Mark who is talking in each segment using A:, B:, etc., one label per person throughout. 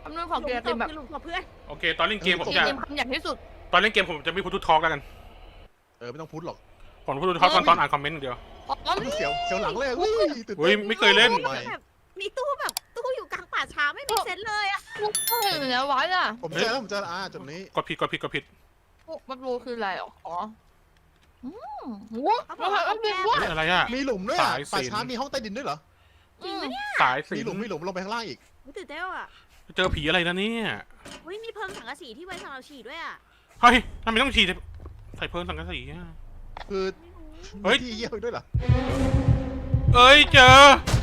A: คำนวณของเกมเป็นแบบ
B: หลุมศพเพื่อน
C: โอเคตอนเล่นเกมผม
A: เก
C: จะ
A: มคำหยาบที่สุด
C: ตอนเล่นเกมผมจะไม่พูดทุกทอล์กแล้วกัน
D: ไม่ต้องพูดหรอก
C: ผมพูดทุกทอล์กตอนอ่านคอมเมนต์อย่างเดียว
A: อ๋อ
D: เสียวหลังเลยอุ้ยตื่น
C: อุ้ย
D: เต้น
C: ไม่เคยเล่น
D: ไม่
B: แบบมีตู้แบบตู้อยู่กลางป่าช้าไม่มีเซนเลยอะ
A: พวกเหนือวัดอ่ะ
D: ผมเจอแล้วผมเจอแล้วจุดนี้
C: กดผิด
A: พวกมันรู้คืออะไรหรออ๋อว้า
B: เขาบ
A: ว
B: อกว่าเขาแก้
C: เฮ้ยอะไรอ่ะ
D: มีหลุมด้วยอ่ะ
C: สายสิญจน์
D: ป่าช้ามีห้องใต้ดินด้วยเหรอ
B: จริงไหมเนี่ย
C: สายสิ
D: มี
C: ญ
D: หลุม
C: จน์
D: มีหลุมลงไปข้างล่างอีก
B: ตื่นเต้นอะ
C: เจอผีอะไรนะเนี่ย
B: อุ้ยมีเพิงสังกะสีที่ไว้สำหรับฉีดด้วยอะ
C: เฮ้ยทำไมต้องฉีดใส่เพิ่มสังกะสีอะ
D: คือ
C: เฮ้ย
D: ที่เยี่ยวด้วยเหรอ
C: เอ้ยเจอ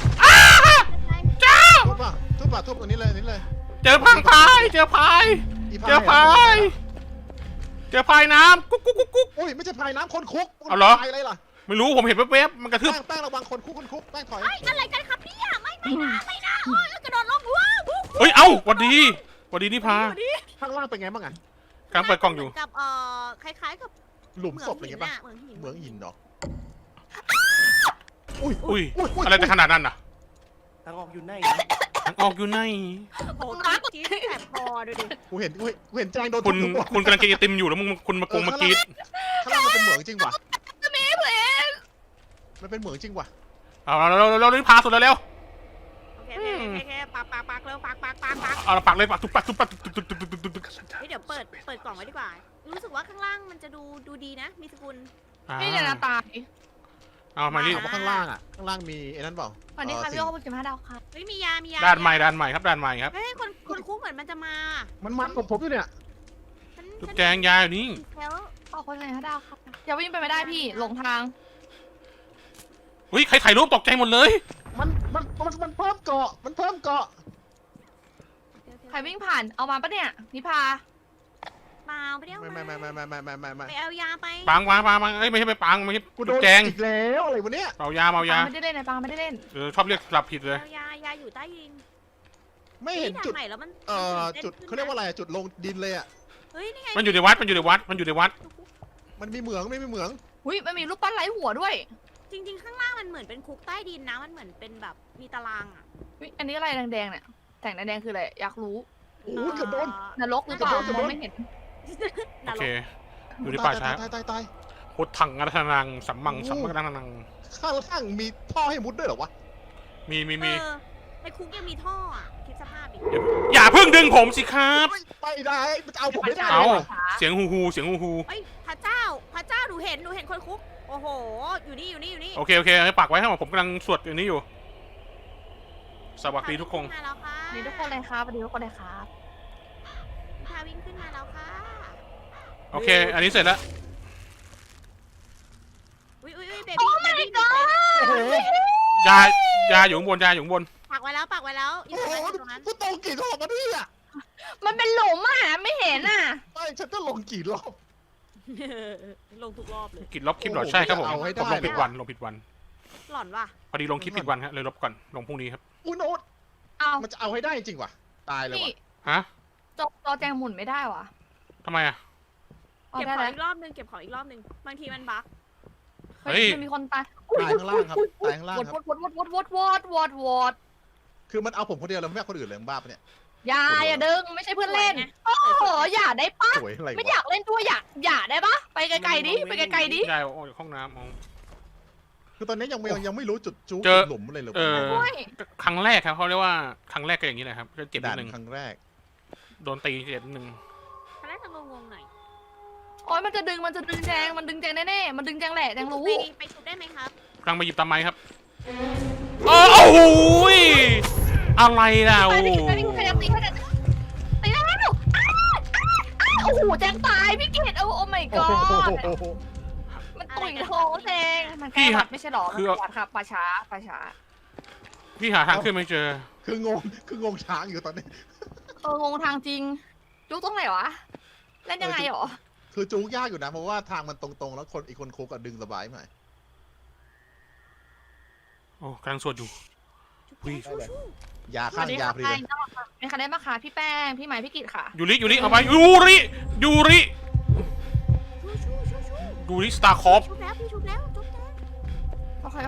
D: ทุบป่ะทุบตัวนี้เลยนี่เลย
C: เจอพังพายเจอพาย
D: อี
C: เจอพายเจอพายน้ำกุ๊กกุ๊กกุ๊กกุ๊ก
D: อุ้ยไม่ใช่พายน้ำคนคุก
C: เอาเหรอ
D: พายอะไรล่ะ
C: ไม่รู้ผมเห็นแวบๆมันกระทืบ
D: แป้งระวังคนคุกแป้งถอย
B: อะไรกันครับเนี่ยไม่นะโอ้ยแล้วกระโดดลงว้าว
C: เฮ้ยเอ้าหวัดดีนี่พา
D: ข้างล่างเป็นไงบ้างอ่ะ
C: กำลังเปิดกล่องอยู่
B: กับคล้ายๆกับ
D: หลุม
B: เหมื
D: ศ
B: อง
D: พอะไร
B: หิน
D: เงี้ยป่ะ
B: อะเหมืองหิน
D: เหมืองหินเนาะอุ้ย
C: อุ้ยอะไรจะขนาดนั้นน่ะ
E: ทางออกอยู่ไหน
C: ทางออกอยู่ไหน
B: โอ้โหตาจี๊ดแสบคอดูดิ
D: กูเห็นแจงโดน
C: คุณ
D: ทุบหัว
C: คุณกำลังกินไอติมอยู่แล้วมึงคุณมากรีด
D: ข้างล่างมันเป็นเหมืองจริงว่ะ
A: มีเพลง
D: มันเป็นเหมืองจริงว่ะ
C: เอาเรารีบพาสุดแล้วเร็ว
B: โอเคปักเร็วปัก
C: เอาละปักเลยปักทุบปักตึก
B: เดี๋ยวเปิดกล่องไว้ดีกว่า รู้สึกว่าข้างล่างมันจะดูดีนะ มีสกุล
A: นี่เนี่ยนะตาย
C: เอามานี่
D: ถามว่าข้างล่างอ่ะข้างล่างมีไอ้นั่นเปล่า
A: วันนี้ค่ะพี่โอ้เป็น15ดาวค่ะ
B: เฮ้ยมียา
C: ด้านใหม่ครับด้านใหม่ครับ
B: เฮ้ยคนคุกเหมือนมันจะมา
D: มันผมอยู่เนี่ย
C: จุดแจงยาอยู่นี่
B: แล้ว
A: ขอบคุณเลย15ดาวค่ะอย่าวิ่งไปไม่ได้พี่หลงทาง
C: เฮ้ยใครถ่ายรูปตกใจหมดเลย
D: มันเพิ่มเกาะมันเพิ่มเกาะ
A: ใครวิ่งผ่านเอามาปะเนี่ยนิพา
B: เปล่าไปเดี๋ยว
D: ไม่
B: ไปเอายาไป
C: ปังเอ้ยไม่ใช่ไปปังไม่ใช่
D: กูโด
C: จุด
D: น
C: แจง
D: อีกแล้วอะไรวะเนี่ย
C: เมายา
A: ปังไม่ได้เล่นไอ้ปังไม่ได้เล่น
C: ชอบเรียกสลับผิดเลย
B: เอายาอยู่ใต้ดิน
D: ไม่เห็นจุด
B: ใหม่แล้วมัน
D: จุดเขาเรียกว่าอะไรจุดลงดินเลยอ่ะ
B: เฮ้ยนี่ไง
C: มันอยู่ในวัด
D: มันมีเหมืองไม่มีเหมือง
A: อุ้ยมันมีรูปปั้นไร้หัวด้วย
B: จริงๆข้างล่างมันเหมือนเป็นคุกใต้ดินนะมันเหมือนเป็นแบบมีตารางอ่ะ
A: อุ๊ยอันนี้อะไรแดงๆเนี่ยแต่งแดงๆคืออะไรอยากรู้
D: โอ้ยเกือบโดน
A: นรกหรือเปล่ามองไม่เห็น
C: โอเคอยู่ในป่าช้า
D: ตาย
C: พุทธังอัตถนังสัมมังสัมมังนัง
D: ข้างมีท่อให้มุดด้วยเหรอวะ
C: มี
B: ในคุกยังมีท่ออ่ะคิดสภาพดิ
C: อย่าเพิ่งดึงผมสิครับ
D: ไปได้มันจะเอาผมไม่ได้
C: เอา
D: เลย
C: เสียงฮูฮู
B: เฮ้ยพระเจ้าหนูเห็นคนคุกโอ้โหอยู่นี่
C: โอเคให้ปักไว้ให้ผมกำลังสวดอย่างนี้อยู่ สวัสดีทุกคน
B: มาแล้วค่ะ
A: นี่ทุกคนเลยครับสวัสดีทุกคนเลยครับ
B: พาวิ่งขึ้นมาแล้วค่ะ
C: โอเค อันนี้เสร็จแล้ว
B: อุ้ยเบบี้
D: โอ้โห
C: ยาอยู่ข้างบน
B: ปักไว้แล้วอยู่
D: โอ้โห
B: ตรงนั้น
D: กูตรงกี่รอบมาเนี่ย
A: มันเป็นหลุมอ่ะไม่เห็นอ่ะ
D: ไม่ฉันจะลงกี่รอบ
B: ลงทุกรอบเลย
C: กินลบคลิปเหรอใช่ครับผม
D: เอาให้ได้
C: ผมลงผิดวัน
B: หล่อนว่ะ
C: พอดีลงคลิปผิดวันฮะเลยลบก่อนลงพรุ่งนี้ครับ
D: อุ้ยโน้ต
A: เอา
D: มันจะเอาให้ได้จริงว่ะตายเลย
A: พี่
D: ว่ะ
C: ฮะ
A: จอแจงหมุนไม่ได้ว่ะ
C: ทำไมอ่ะ
A: เอา
B: เก็บ
A: ได้
B: ของ
A: แล้ว
B: อีกรอบนึงบางทีมันบั๊ก
C: เฮ้ย
A: มันมีคนตาย
D: ตายข้างล่างครับตายข้างล่างครับ
A: วอด
D: คือมันเอาผมคนเดียวแล้วไม่เอาคนอื่นเลยมึงบ้าปะเนี่ย
A: อย่าดึงไม่ใช่เพื่อนเล่นโอ้โหอย่าได้ปะ
D: สวยอะไร
A: ไม่อ
D: วะ
A: ยากเล่นด้วยอย่าได้ปะไปไกลๆดิไปไกลๆดิ
C: ยายออกจากห้องน้ำเอา
D: คือตอนนี้ยังไม่รู้จุดจู๊
C: เจอ
D: หลุมอะไรเลย
A: โอ้ย
C: ครั้งแรกครับเขาเรียกว่าครั้งแรกก็อย่างนี้แหละครับก็เจ็บนิ
D: ด่า
C: ด
D: น
C: นึง
D: ครั้งแรก
C: โดนตีเจ็บนิดนึง
B: ตอนแรกจะงงๆหน่อย
A: โอ้ยมันจะดึงแจงแน่ๆมันดึงแจงแหละแจงรู้
B: ไปชุบได้ไหมครับ
C: กำลังมาหยิบตามไม้ครับโอ้โหอะไรล่ะโอ้
A: ไปดิใครจะตีแล้วโอ้โหแจงตายพี่เกดโอ้ my
D: โอ้
A: god
D: โห
A: มันตุยท้องแจงมันแค่ไม่ใช่หรอมันปวดครับป่าช้า
C: พี่หาทางขึ้นไม่เจอ
D: คืองงช้างอยู่ตอนนี้
A: งงทางจริงจุกตรงไหนวะเล่นยังไงหรอ
D: คือจู๊ยากอยู่นะเพราะว่าทางมันตรงๆแล้วอีกคนคุกอะดึงสบายไหม
C: โอ้กำลังสวดอยู่ อุ้ย
D: ยาข้างยาพอดีเลย
A: มีใครได้มาคะพี่แป้งพี่ใหม่พี่กิตค่ะ
C: ยูริเอาไปยูริสตาร์คอฟ
B: ชุบแล้วพี่ชุบแล้วชุบแล้ว
A: โอเค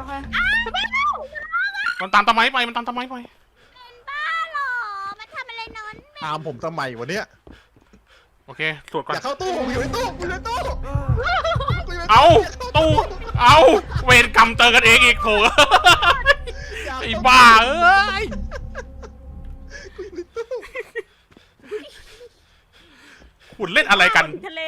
C: มันตามตะไม้ไป
B: บ้าเหรอมันทำอะไรนอนแม
D: ตามผมทำไมวะเนี่ย
C: โอเคตรวจก่อน
D: อย่าเข้าตู้ผมอยู่ในตู้กูอยู่ในตู้กูยู่ใน
C: เอาตู้เอาเวรกรรมเจอกันเองอีกโถ
D: อย่า
C: ไอ้
D: เข้
C: บ้าเอ้ย
D: กูอยู่ในตู้
C: คุณเล่นอะไรกัน
B: ทะเล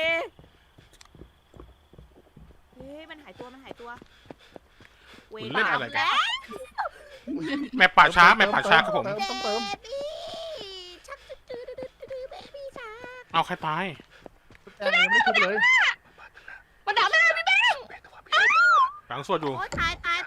B: เฮ้ยมันหายตัวเว
C: คุณเล่นอะไรกัน
B: แล้ว
C: แม่ป่าช้าแม่ป่าช้าครับผม
D: ต้องเติม
B: บี้ชักดื้อเบบี้ชัก
C: เอาใครตาย
D: แต่ยังไม่ทุบเลย
A: มันดักหน้าพี่แบงค์
C: หลังสวดอยู่
B: โอ้ตาย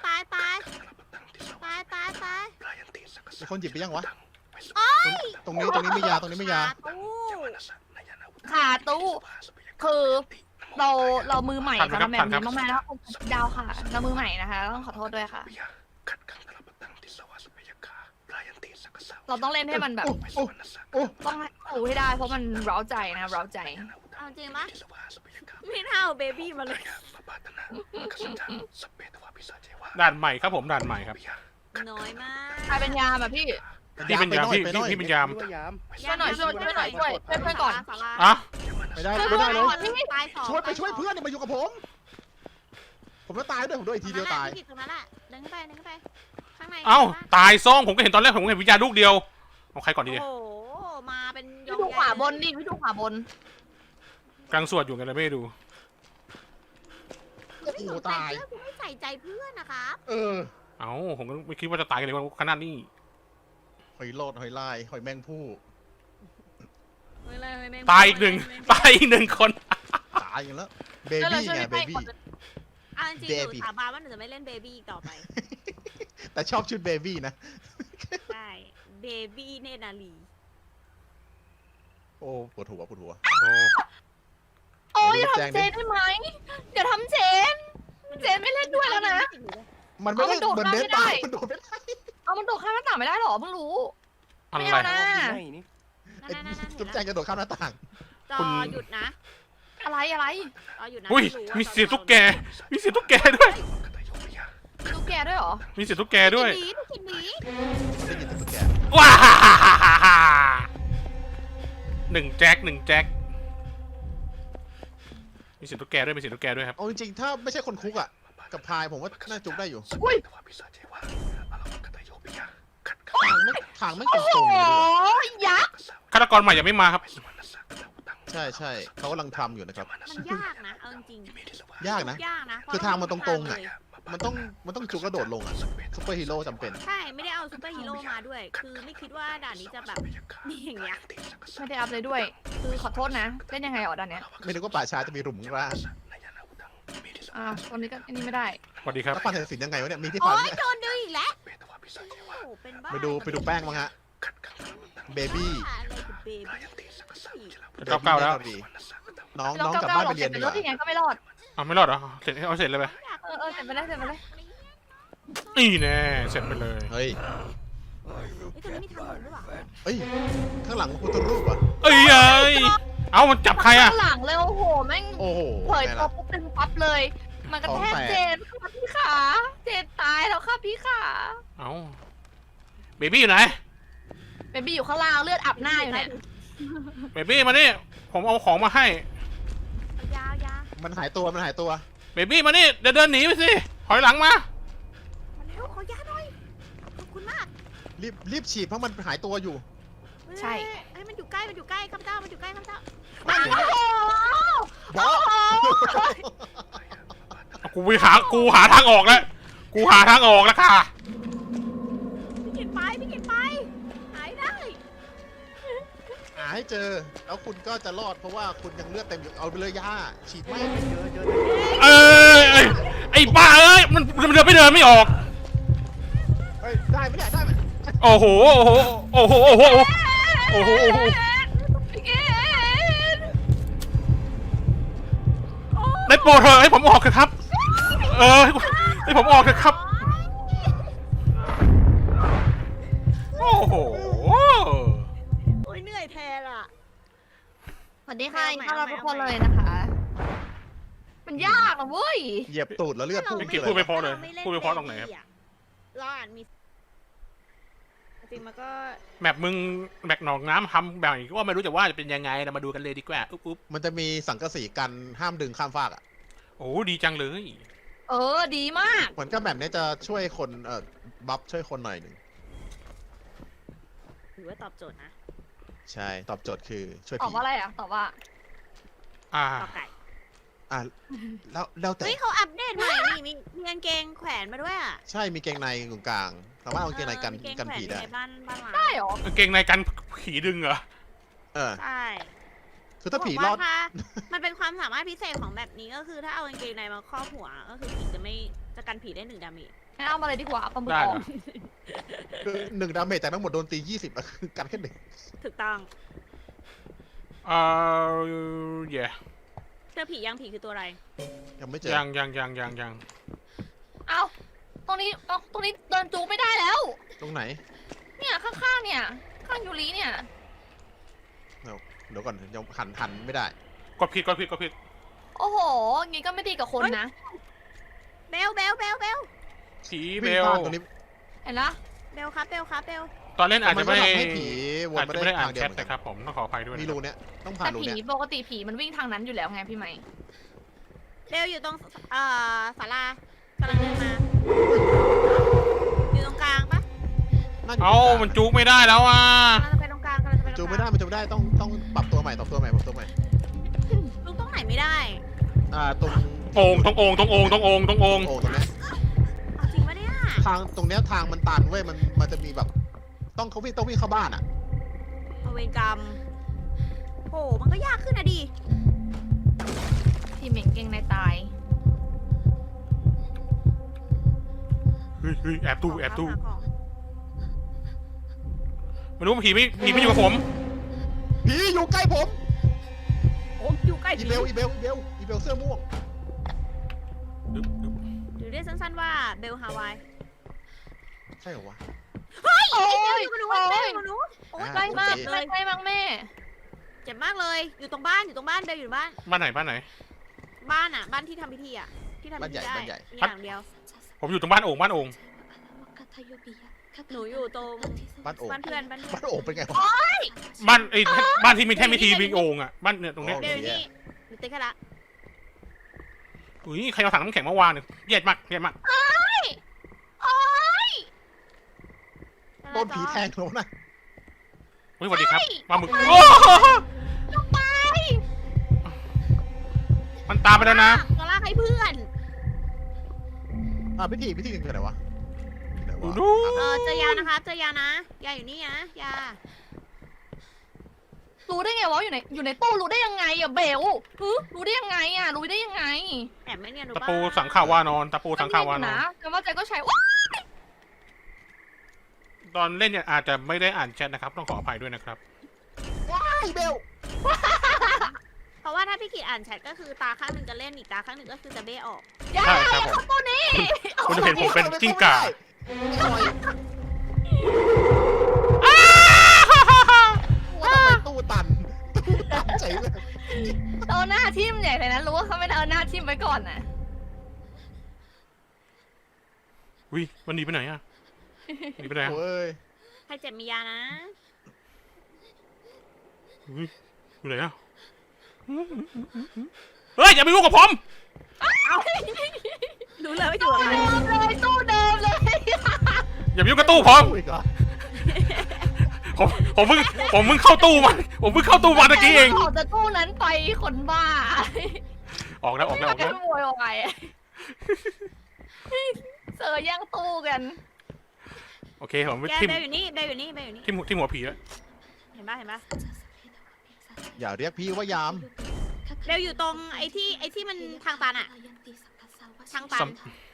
D: มีคนหยิบไปยังวะ
B: โอ้ย
D: ตรงนี้ไม่ยาตรงนี้ไม่ยา
B: ตู้
A: ค่ะตู้คือเรามือใหม่สำหรับแบบนี้มากๆแล้วดาวค่ะเรามือใหม่นะคะต้องขอโทษด้วยค่ะ เราต้องเล่นให้มันแบบ
D: โอ้
A: ต้องให้ถูให้ได้เพราะมันเร้าใจนะเร้าใจ
B: เอาจริงปะไม่เท่าเบบี้มาเลย
C: ด่านใหม่ครับผมด่านใหม่ครับ
B: น้อยมาก
A: ใครเป็นยามอ่ะพี่
C: พี่เป็นยามพี่เป็นยาม
E: พี่ว่ายาม
A: ช่วยหน่อยช่วยเพื่อนก่อน
C: อ่ะ
D: ไม่ได้ไม่ได้เลย
B: ตายสอง
D: ไปช่วยเพื่อนเนี่ยมาอยู่กับผม ผมจะตายด้วยผมโดนอีกทีเดียวตาย
B: ตรงนั้นแหละเดินขึ้นไปข้างใน
C: เอ้าตายซ่องผมก็เห็นตอนแรกผมเห็นวิญญาณลูกเดียวเอาใครก่อนดี
B: โอ้
C: เนี่ย
B: โหมาเป็น
A: พี่ดูขวาบนดิพี่ดูขวาบน
C: กำลังสวดอยู่กันเลยไม่ได้ดู
D: โอ้โหตาย
B: คุณไม่ใส่ใจเพื่อนนะครับ
D: เออ
C: เอ้าผมก็ไม่คิดว่าจะตายกันเลยว่าขนาดนี้
D: หอยโลดหอยลายหอยแมงผู้
C: ตายอีกหนึ่งคน
D: ตายอย่างแล้วเบบี้ไงเบบี้
B: อ่ะจริงๆหนูสาบานว่าหนูจะไม่เล่นเบบี้อีกต่อไป
D: แต่ชอบชุดเบบี้นะ
B: ใช่เบบี้เนตรนาลี
D: โอ้ปวดหัวปวดหัว
C: โอ้
A: โอ้ยอย่าทำเจนได้ไหมอย่าทำเจนเจนไม่เล่นด้วยแล้วนะ
D: มันไม่ได้
A: เอามันโดด
D: เหมือนเด
A: ไม่
D: น
A: ได้
D: ตายมันโดดไม่ได้
A: เอามันโดดข้ามหน้าต่างไม่ได้หรอเพิ่งรู้
C: อะไร
A: ไม่เอานะ
E: อยู่ในนี่
D: ไอ้จุ๊บแจงจะโดดข้ามหน้าต่าง
B: จอหยุดนะ
A: อะไร
B: จอหยุดนะ
C: อุ้ย
B: ไรู้ว่า
C: มีเสียงตุ๊กแก
B: จ
C: มีเสียงตุ๊กแกด้วย
A: ดูแกด้วยเหรอ
C: มีเสียงตุ๊กแกด้วย
B: หมีทุกกินหมี
D: ได้ยินแต่ตุ๊กแก
C: ว้าหนึ่งแจ็คมีเสียงตุ๊กแกด้วยมีเสียงตุ๊กแกด้วยครับ
D: เอาจริงๆถ้าไม่ใช่คนคุกอ่ะกับพายผมว่าน่าจุกได้อยู่
A: อุ้ย
D: ทางไม่ต
A: โอ้
D: รง
A: โห
D: ๆเลย
A: ยักษ์
C: ฆาตกรใหม่ยังไม่มาครับ
D: ใช่ใช่เขากำลังทำอยู่นะครับ
B: มันยากนะเอาจริง
D: ยากนะ
B: ยากนะ
D: คือทางมันตรงๆ
B: อะ
D: อ่ะ มันต้องจุกกระโดดลงอ่ะซุปเปอร์ฮีโร่จำเป็น
B: ใช่ไม่ได้เอาซูเปอร์ฮีโร่มาด้วย คือไม่คิดว่าด่านนี้จะแบบนี่อย่างเงี้ย
A: ไม่ได้อัพเลยด้วย คือขอโทษนะเล่นยังไงอ๋อด้านเนี้ย
D: ไม่นึกว่าป่าช้าจะมีหลุมร่าง
A: ตอนนี้ก็อันนี้ไม่ได้
C: สวัสดีครับ
D: แล้วปันศิลป์ยังไงวะเนี่ยมีที่
B: โอ๊
D: ฟัน
B: ย
D: เนี่ย
B: โดนดึงอีกแล้วโอ้โหเป็นบ้า
D: ไปดูแป้งมั้งฮะเบบี้
B: อะไรคือเบบี้
C: เก้าแล้ว
D: น้อง
A: แล้ว
D: กลับบ้านไปเรียน
A: เป็
D: ดี
A: น
D: ก
A: รถ
D: ว่า
A: ที่ไงก็ไม่รอด
C: อ้าวไม่รอดเหรอเสร็จเอาเสร็จเลยไป
A: เสร็จไปเลย
C: นี่แน่เสร็จไปเลย
D: เฮ้ย
B: ไอ้ตัวนี้มีทางหมุนด้วยวะ
D: เฮ้ยข้างหลังพุทธรูปอ่ะ
C: เอ้ยเอามันจับใครอะ
A: ข้างหลังเลยโอ้โหแม่ง
D: โอ้โห
A: เผย
D: ไง
A: ตัว
D: ล่ะ
A: ปุ๊บเป็นปั๊บเลย มันกระแทก
D: ของแตก
A: เจนค่ะพี่ขาเจนตายแล้วค่ะพี่ขา
C: เอาเบบี้อยู่ไหน
A: เบบี้อยู่ข้างล่างเลือดอาบหน้าอยู่เนี่ย
C: เบบี้มานี่ผมเอาของมาให้
B: ยาวยาว
D: มันหายตัว
C: เบบี้มานี่เดินหนีไปสิถอยหลังมา
B: มันเร็วขอยาหน่อยขอบคุณมาก
D: รีบฉีดเพราะมันหายตัวอยู่
A: ใช่
B: ไอ้มันอยู่ใกล้ข้าพเจ้ามันอยู่ใกล้ข้าพเจ้า
A: โอ้โห
D: บอส
C: กูหาทางออกแล้วกูหาทางออกแล้วค่ะ
B: พี่กินไปหายได้
D: หาให้เจอ แล้วคุณก็จะรอดเพราะว่าคุณยังเลือดเต็มอยู่เอาไปเลยย่าฉีดไม่
E: เจอ
C: เอ้ยไอ้บ้าเอ้ยมันเดินไม่ออก
D: เฮ้ยได้ไหมเนี่ยได้ไหม
C: โอ้โห
A: พี่เกด
C: ได้โปรดเถอะให้ผมออกเถอะครับให้ผมออกเถอะครับโอ้โห
B: โอ้ยเหนื่อยแทนอ่ะ
A: สวัสดีค่ะ
B: เอาใหม่
A: ต้อนรับ
B: เอาใหม่
A: ทุกคนเลยนะคะ มันยากนะเว้ย
D: เหยียบตูดแล้วเลือดพุ่ง
C: พี่กิตพูดไม่พอเลยพูดไม่พอตรงไหนครับ
B: เราอ่านมีจริงมันก็
C: แมปมึงแมปหนองน้ำทำแบบนี้ก็ไม่รู้จะว่าจะเป็นยังไงเรามาดูกันเลยดีกว่าอุ๊บ
D: มันจะมีสังกะสีกันห้ามดึงข้ามฟากอ่ะ
C: โอ้ดีจังเลย
A: ดีมาก
D: เหมือนกับแบบนี้จะช่วยคนบัฟช่วยคนหน่อยหนึ่ง
B: ถือว่าตอบโจทย์นะ
D: ใช่ตอบโจทย์คือช่วย
A: ตอบ
D: ผี
A: ว่าอะไรอ่ะ ตอบว่า
B: ตอบไก่
D: อ่ะแล้วแต่
B: เฮ้ยเขาอัปเดตใหม่นี่มีกางเกงแขวนมาด้วยอ่ะ
D: ใช่มีเกงในตรงกลางสามารถเอาเกงในกัน
B: มีเกง
D: กัน
B: แขวน
D: ผี
B: อยู่
D: ได้
B: ในบ้านร้าง
A: ได้เหรอ
C: กางเกงในกันผีดึงเหรอ
D: เออ
B: ใช่
D: คือถ้าผี
B: บก
D: ร
B: ว่
D: อด
B: ถ้ามันเป็นความสามารถพิเศษของแบบนี้ก็คือถ้าเอากางเกงในมาครอบหัวก็คือผีจะกันผีได้1 ดาเมจ
A: งั้นเอามาเลยดีกว่าเอาปลาหมึก
C: ได้
A: อ
C: เห
A: อ
C: ร
A: ก
C: อ
D: คือ1 ดาเมจแต่ทั้งหมดโดนตี 20อะคือกันแค่หนึ่ง
B: ถูกต้อง
C: เย่
B: เจอผียังผีคือตัวอะไร
D: ยังไม่เจอ
C: ยัง
A: เอาตรงนี้เดินจูไม่ได้แล้ว
D: ตรงไหน
A: เนี่ยข้างๆเนี่ย ข้างยูริเนี่ย
D: เดี๋ยวก่อนยังหันไม่ได้
C: กดผิด
A: โอ้โหงี้ก็ไม่ดีกับคนนะ
B: เบล
C: ผีเบ
D: วิ่ง
C: ล
D: ผ่านตรงนี้
A: เห็นละ
B: เบลครับเบล
C: ตอนเล่นอาจจะไม่
D: มันก็ทำให้ผีวน
C: อาจ
D: มา
C: จะ
D: ได้
C: ไม่ได้อ่า
D: ทาน งเดี
C: แช
D: ยว
C: ท
D: เหมือน
C: นะค
D: กั
C: รับผมต้องขออภัยด้วย
D: มี
C: นะ
D: รูเนี้ยต้องผ่าน
A: แต่
D: รู
A: ผี
D: เนี้ย
A: ปกติผีมันวิ่งทางนั้นอยู่แล้วไงพี่ไหม
B: เบลอยู่ตรงศาลากำลังเดินมาอยู่ตรงกลางปะ
D: น่าจะ
C: เอ้ามันจุกไม่ได้แล้วอ่ะ
B: กำลังจะไปตรงกลางกำลังจะไปตรงกลาง
D: จูไม่ได้มันจูไม่ได้ต้องปรับตัวใหม่
B: ลุงตรงไหนไม่ได้
D: ตรง
C: โอ่งตรงโอ่ง
D: โอ่งตรงเนี้ย
B: เอาจริงปะเนี่ย
D: ทางตรงเนี้ยทางมันตันเว้ยมันจะมีแบบต้องวิ่งเข้าบ้านอ่ะ
B: เอาเวรกรรมโหมันก็ยากขึ้นนะดิ
A: พี่เหม่งเก่งในตาย
C: เฮ้ยแอบตู้
B: หาของ
C: ไม่รู้ผีไม่อยู่กับผม
D: ผีอยู่ใกล้ผม
B: โอ้อยู่ใกล้
D: อี
B: ผี
D: เบลเสื้อม่วง
B: หรือเรียกสั้นๆว่าเบลฮาวาย
D: ใช่เหรอวะ
A: โอ้ย
B: อยู่กับหนูเบลอยู่กับหนูโอ้ย
A: ใกล้มาก
D: โอเค
A: ใกล้มากแม่
B: เจ็บมากเลยอยู่ตรงบ้านเบลอยู่บ้าน
C: บ้านไหน
B: บ้านอ่ะบ้านที่ทำพิธีอ่ะที่ทำพิธีได้
D: บ้านใหญ่
B: มีอย่างเดียว
C: ผมอยู่ตรงบ้านโอ่ง
B: หนูอยู่ตรง
D: บ้านโอ่ง
B: บ้านเพื่อน
D: บ้านโอ่งเป็นไงวะ
C: บ้านที่มีแท่นพิธีมีโอ่งอ่ะบ้านเนี่ยตรงเนี้ย
B: เบลอยู่นี่หนูติ๊กให้ละ
C: อุ้ยใครเอาถังน้ำแข็งมาวางเนี่ยเย็ดมาก
A: โอ้ย
D: โดนผีแทงแล้วนะ
C: อุ้ยสวัสดีครับปลาหมึก
A: ลงไป
C: มันตามไปแล้วนะ
B: ก็ลากให้เพื่อน
D: พิธีถึงไหนวะไหนวะ
C: ดู
B: เจอยานะครับเจอยานะยาอยู่นี่นะยา
A: รู้ได้ไงวะอยู่ในตู้รู้ได้ยังไงอะเบลรู้ได้ยังไงอะรู้ได้ยังไง
B: แอบไม่เนียนหนู
C: ตะ
B: บ้า
C: ปูสังขาวานอนตะปูสังขาวานอน
A: นะแต่ว่าใจก็ใช้ว้า
C: ตอนเล่นเนี่ยอาจจะไม่ได้อ่านแชทนะครับต้องขออภัยด้วยนะครับ
D: ว้ายเบล
B: เพราะว่าถ้าพี่กิจอ่านแชทก็คือตาข้างหนึ่งจะเล่นอีกตาข้างหนึ่งก็คือจะเบ้ออก
A: อย่า
C: ใช่ครับผม
A: เข้าตู้นี้
C: คุณจะเห็นผมเป็นกิ้งก่า
D: ว่าทำไมตู้ตันเฉยเลย
A: เอาหน้าทิ่มใหญ่เลยนะรู้ว่าเขาไม่ได้เอาหน้าทิ่มไว้ก่อนนะ
C: อุ้ยมันหนีไปไหนอ่ะหนีไปไหนอะ
D: โอ้ย
B: ใครเจ็บมียานะ
C: อุ้ยอยู่ไหนอ่ะเฮ้ยอย่าไปยุ่งกับผม
B: รู้เลยว่าอยู่กับใคร
A: ตู้เดิมเลย
C: อย่าไปยุ่งกับตู้ผม
D: อีกเหรอ
C: ผมเพิ่งเข้าตู้มาผมเพิ่งเข้าตู้มาตะกี้เอง
A: ออกจากตู้นั้นไปคนบ้า
C: ออกแล้ว
A: แกโวยวายเสือแย่งตู้กัน
C: โอเคผมไป
B: แก
C: ทิม
B: เบลอยู่นี่เบลอยู่นี่เบลอยู่นี่
C: ทิมหัวผีแล้ว
B: เห็นปะ
D: อย่าเรียกพี่ว่ายาม
B: เบลอยู่ตรงไอ้ที่มันทางตันอะทางตัน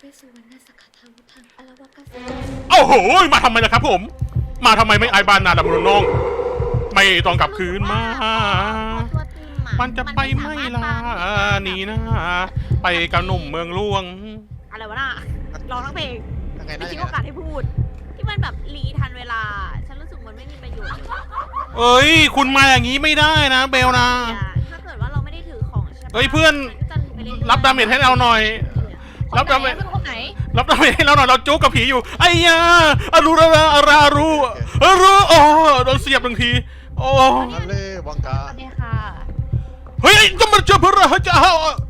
C: โอ้โหมาทำไมล่ะครับผม มาทำไมไม่ไอบานนาดำรงน้อง ไม่ต้องกลับคืนมา
B: ตัวติมอะ
C: มันจะไปไม่ลานี่นะไปกับหนุ่มเมืองหลวง
B: อะไรวะน่ะร้องทั้งเพลง
D: ยังไง
B: ไม่
D: นะ
B: ทิ้
D: ยัง ง
B: โอ
D: ไง
B: กาสให้พูด ที่มันแบบรีทันเวลา ฉันรู้สึกมันไม่มีประโยชน์เลย
C: เอ้ยคุณมาอย่างนี้ไม่ได้นะเบลนะ
B: ถ้าเกิดว่าเราไม่ได้ถือของใช่ปะ
C: เอ้ยเพื่อน
B: มัก็จะไปเอยๆ
C: รับดาเมจให้เราหน่อย รับดาเมจ
A: คนไหน
C: รับได้ให้เราหน่อยเราจู๊กับผีอยู่ไอ้ยาอารูอารูโอ้โดนเสียบหนึ่งทีโอ้
D: ทะเลวังกา
A: สวัสดีค่ะ
C: เฮ้ยจะมาเจอพระเฮ้ยจะ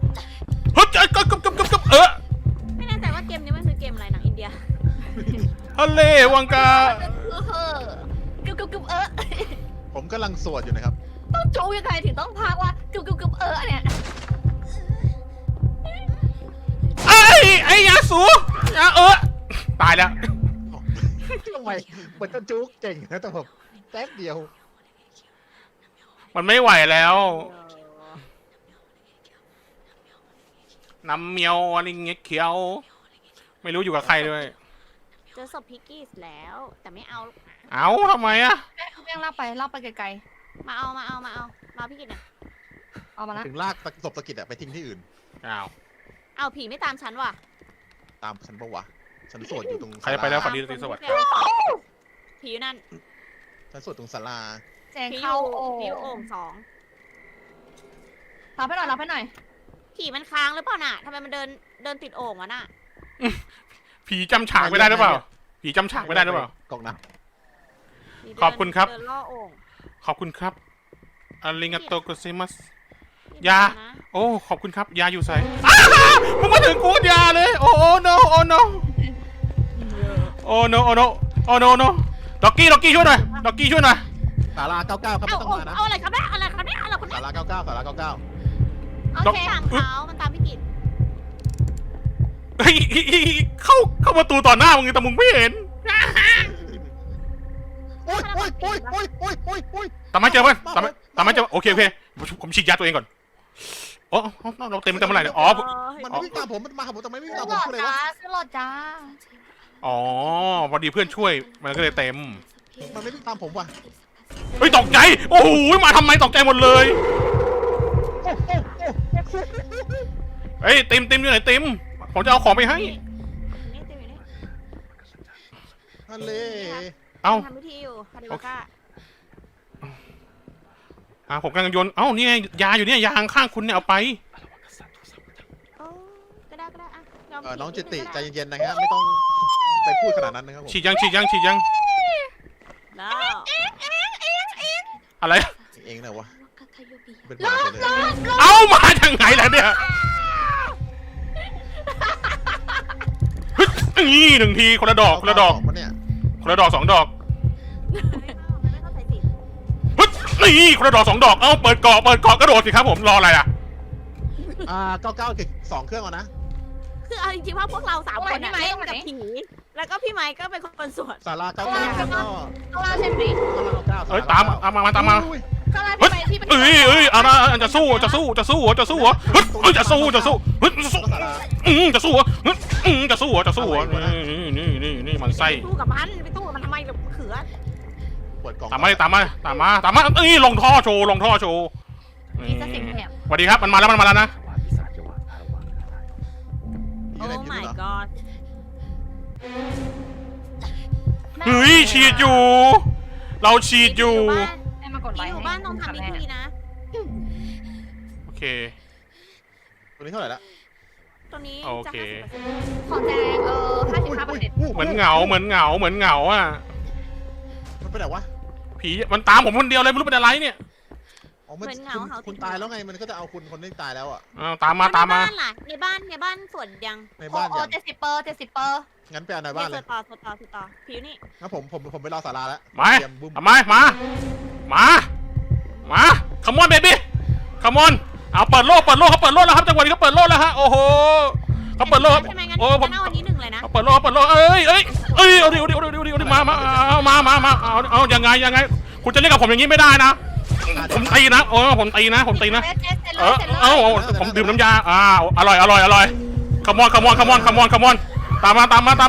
C: กับ
B: ไม่แน่ใจว่าเกมนี้มันคือเกมอะไรหนังอินเดีย
C: ทะเลวังกา
A: กึบกึบเออ
D: ผมกำลังสวดอยู่นะครับ
A: ต้องจูยังไงถึงต้องพากว่ากึบกึบเออเนี่ย
C: ไอ้ยาสูยาตายแล้ว
D: ทำไมเหมือนจะจุกเก่งนะแต่ผมแป๊บเดียว
C: มันไม่ไหวแล้วน้ำเมียวอะไรเงี้ยเขียวไม่รู้อยู่กับใครด้วย
B: เจอศพพิกกี้แล้ว แต่ไม่เอา
C: เอาทำไมอะ
A: เขาเพียงลากไปไกล
B: มาเอาพี่กิตหน่อย
A: ๆเอามาละ
D: ถึงลากศพตะกิดอะไปทิ้งที่อื่น
C: อ้าว
B: เอาผีไม่ตามฉันว่ะ
D: ตามฉันปะวะฉันสวดอยู่ตรง
C: ใครไปแล้วฝันดีราตรีสวัสดิ์
B: ผีอยู่นั่น
D: ฉันสวดตรงศาลา
A: แจง
B: ผีอ
A: เข้า
B: ยู่
A: โอ่
B: ผีอยู่โอ่ง2
A: รับให้หน่อย
B: ผีมันค้างหรือเปล่าน่ะทำไมมันเดินติดโอ่งวะน่ะ
C: ผีจำฉากไม่ได้หรือเปล่าผีจำฉากไม่ได้หรือเปล่า
D: กองน้
B: ผีเดิน
C: ขอบคุณครับ
B: เดินล่อโอ่ง
C: ขอบคุณครับอาริงาโตโกเซมัส
B: นี่
C: ยา
B: เดินนะ
C: โอ้ขอบคุณครับยาอยู่ใส่มึงมาถึงกูยาเลยโอ้โนโอ้โนโอ้โนโอ้โนโอ้โนโนด็อกกี้ช่วยหน่อยด็อกกี้ช่วยหน่อย
D: ำศาลา99ครับไม่ต้องมานะ
B: เอาอะไรครับเนี่ยอะไรครับเนี่ยอะไรคน
D: ศา
B: เนี้ย
D: ลา99ศาลา99
A: โอ
C: ดอก
A: เค
B: ตามเขามันตามพี่กิต
C: เฮ้ยเข้าประตูต่อหน้ามึงแต่มึงไม่เห็น
D: โอ้ย
C: ตามไม่เจอเพื่อนตามไม่เจอโอเคผมฉีดยาตัวเองก่อนอ๋อเราเต็มเมื่อไหร่เนี่ยอ๋อ
D: มันไม่วิ่งตามผมมันมาหาผมแต่ไม่วิ่ง
A: ขึ้
D: ตาน ม
A: ห
D: ผ
A: ล
D: ม
A: อด
D: คืออะไระ
A: จ้าวขึ้นหลอดจ้า
C: อ๋อพอดีเพื่อนช่วยมันก็เลยเต็ม
D: มันไม่วิ่งตามผมว่ะ
C: เฮ้ยตกใจโอ้โหมาทำไมตกใจหมดเลยเฮ้ยติมอยู่ไหนติมผมจะเอาของไปให้
B: นี่เต็มอยู่นี่
D: ทะเล
C: เอ้า
B: ทำพิธีอยู่คาเดวาก้า
C: ผมกำลังโยนเอ้านี่ไงยาอยู่เนี่ยยาข้างคุณเนี่ยเอาไป
B: โอ้ก็ได้อ่ะยอม
D: น้องจิตติใจ
B: ผิด
D: เย็นๆนะครับไม่ต้องไปพูดขนาดนั้นนะครับผม
C: ฉีดยัง
B: แล้ว
C: อะไร
D: เองนะวะเป็น
A: ร
D: บ้า
A: อ
D: ไป
A: บ
D: เลย
C: เอ้ามาทางไหนล่ะเนี่ยนี่หนึ่งทีคนละดอก
D: มันเนี่ย
C: คนละดอกสองดอก
B: ไม่เข้าใจสิ
C: นี่คนละดอกสองดอกเอ้าเปิดเกาะกระโดดสิครับผมรออะไรอ่ะ
D: 99ถึง2เครื่องก่อนนะ
B: คือเอาจริงๆว่าพวกเรา3 คนน่ะเล่นกับผีแล้วก็พี่ไม้ก็เป็นคนสวด
D: ศาลา99แล้วก็
A: ข้างล่างใช่ไหม
D: 99
C: เอ้ยตามมา
A: ข้างล่าง
C: เฮ้ย
A: ที่ไป
C: อะไรจะสู้เหรอจะสู้เหรอเฮ้ยจะสู้จะสู้เหรอนี่มันไส้
B: สู้กับมันไปสู้กับมันทำไมล่ะเขือ
D: เปิดกล่อง
C: ตามมานี่ลงท่อโชว์
A: มีสติแถบ
C: สวัสดีครับมันมาแล้วนะ
B: โอ้ my god
C: เฮ้ยฉีดอยู่ เราฉีดอยู่
A: ให้มากดไล
B: ผี
A: ค์
B: อยู่บ้านต้องทำพิธีนะ
C: โอเค
D: ตัวนี้เท่าไหร่ละ
B: ตัวนี้
C: โอ
B: จะ
C: เค
B: 50%
A: ของแจง55%
C: เหมือนเหงาอ่ะ
D: มันเป็นไหนวะ
C: ผีมันตามผมคนเดียวเลยไม่รู้เป็นอะไรเนี่ย
D: อ๋อมันคุณตายแล้วไงมันก็จะเอาคุณคนที่ตายแล้วอ่ะ
C: ตามมา
B: ในบ้านล่ะในบ้านสวดยัง
D: ใน
A: โอ้
D: บ้าน
A: โอ้
D: อย่าง
A: 70%
D: งั้นไปเอาในบ้าน
B: ส
D: เล
B: วย ดต่อผิวนี่
D: งั้นผมไปรอศาลาแล้ว
C: มาทำไมมาขมอนเบบี้ขมอนเอาเปิดโลกเขาเปิดโลกแล้วครับจังหวะนี้เขาเปิดโลกแล้วฮะโอ้โหเขาเปิดโลก
B: ใช่ไหมงั้น
C: โอ้ผม
B: เอาวันนี้1เลยนะ
C: เอาเปิดโลกเอ้ยเอาดิมาเอายังไงคุณจะเล่นกับผมอย่างนี้ไม่ได้นะผมตีนะผมตีนะผมดื่มน้ำยาอร่อยขมอนตามมา
B: ยังไงยัง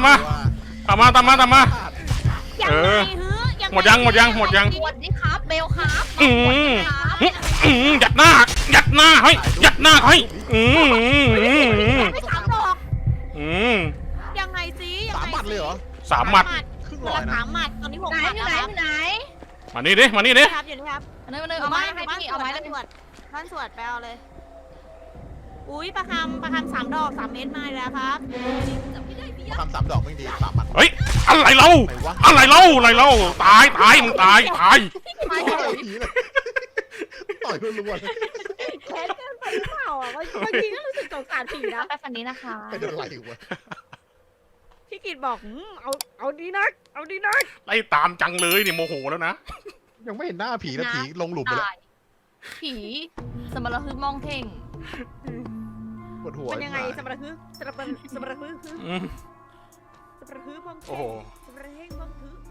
C: หมดยัง
A: หมดนี่ครับเบลครับ
C: ยัดหน้าเฮ้ยยัดหน้าเฮ้ย
B: ไม่3 ดอก ยังไงสิยัง
D: 3
B: ไง
D: หมัดเลยเหรอ
C: 3 หมัด
D: ครึ่ง
B: คน
D: ร้อ
B: ละ
D: ยนะ
B: 3 หมัดตอนนี้6
A: ไหน
B: หมัด
A: อยู่
B: แล้ว
A: ไหน
B: ครับ
C: มานี่ดิ
B: ครับอยู่นี่ครับ
A: เอาไม้ให้พี่เอาไม้เลย
B: บ้านสวดไปเอาเลยอุ้ยประคำ3 ดอก 3 เม็ดมาแล้วครับ
D: ทำ3 ดอกไม่ดี3 มัน
C: เฮ้ยอะไรเล่า
D: ไหนวะ
C: อะไรเล่าตายมึงตาย
D: ต่อยผีเลยต่อยรัวๆเลย
B: แค้นเกินไปหรือเปล่าอ่ะบางทีก็รู้สึกสงสารผีนะ
A: ไปฝันนี้นะคะ
D: เป็นอะไรวะ
B: พี่กิตบอกเอาดีนักเอาดีนัก
C: ไล่ตามจังเลยเนี่ยโมโหแล้วนะ
D: ยังไม่เห็นหน้าผีแล้วผีลงหลุมไปแล้ว
A: ตายผีสมรภูมิมองเท่ง
D: ปวดหัว
B: มันยังไงสมรภูมิสมรภูมิ
C: อืม
B: สมรภูมิมอง
C: โอ้โห
B: สมรภูมิมอง